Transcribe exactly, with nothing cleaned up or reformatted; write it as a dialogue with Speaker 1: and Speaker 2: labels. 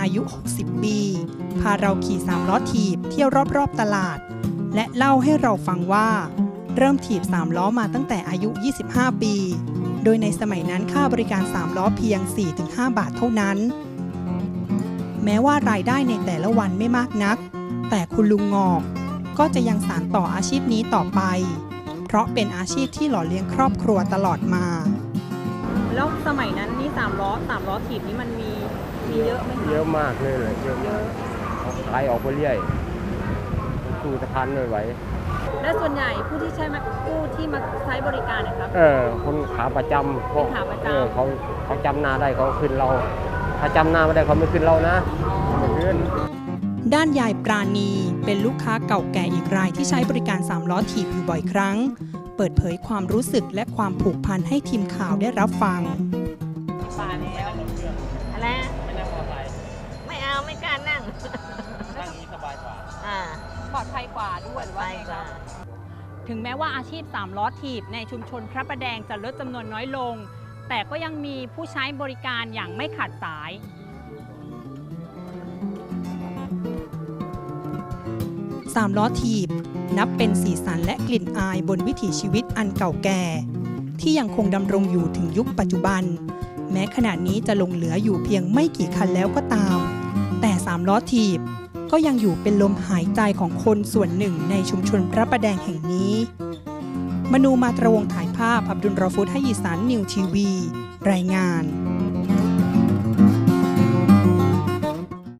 Speaker 1: อายุ หกสิบ ปี พาเราขี่สามล้อถีบเที่ยวรอบๆตลาด และเล่าให้เราฟังว่าเริ่มถีบสามล้อมาตั้งแต่อายุ ยี่สิบห้า ปี โดยในสมัยนั้นค่าบริการสามล้อเพียง สี่ถึงห้า บาทเท่านั้น แม้ว่ารายได้ในแต่ละวันไม่มากนัก แต่คุณลุงงอกก็จะยังสานต่ออาชีพนี้ต่อไป เพราะเป็นอาชีพที่หล่อเลี้ยงครอบครัวตลอดมาแล้วสมัยนั้นนี่สามล้อสามล้อถีบนี่มันมีมีเยอะไหมคะ
Speaker 2: เยอะมากเลยเลยเยอะเยอะขายออกไปเรื่อยสู้สะพานไม่ไหว
Speaker 1: และส่วนใหญ่ผู้ที่ใช้ผู้ที่มาใช้บริการนะครับ
Speaker 2: เออคนขาประจำ
Speaker 1: เป็นขาประจำ
Speaker 2: เขาเขาจำหน้าได้เขาขึ้นเราถ้าจำหน้าไม่ได้เขาไม่ขึ้นเรานะไม่ขึ้น
Speaker 1: ด้านยายปราณีเป็นลูกค้าเก่าแก่อีกรายที่ใช้บริการสามล้อถีบอยู่บ่อยครั้งเปิดเผยความรู้สึกและความผูกพันให้ทีมข่าวได้รับฟัง
Speaker 3: ป่าแล้วอะไรไม่นั่งมอเตอร์ไซค์ไม่เอาไม่กล้านั่ง
Speaker 4: นั่งนี้สบายกว่า
Speaker 3: อ่า
Speaker 1: ปลอดภัยกว่าด้วยหรือว่าไงครับถึงแม้ว่าอาชีพสามล้อถีบในชุมชนพระประแดงจะลดจำนวนน้อยลงแต่ก็ยังมีผู้ใช้บริการอย่างไม่ขาดสายสามล้อถีบนับเป็นสีสันและกลิ่นอายบนวิถีชีวิตอันเก่าแก่ที่ยังคงดำรงอยู่ถึงยุคปัจจุบันแม้ขณะนี้จะลงเหลืออยู่เพียงไม่กี่คันแล้วก็ตามแต่สามล้อถีบก็ยังอยู่เป็นลมหายใจของคนส่วนหนึ่งในชุมชนพระประแดงแห่งนี้มนูมาตรวงถ่ายภาพอับดุลรอฟุตให้ยีสันนิวทีวีรายงาน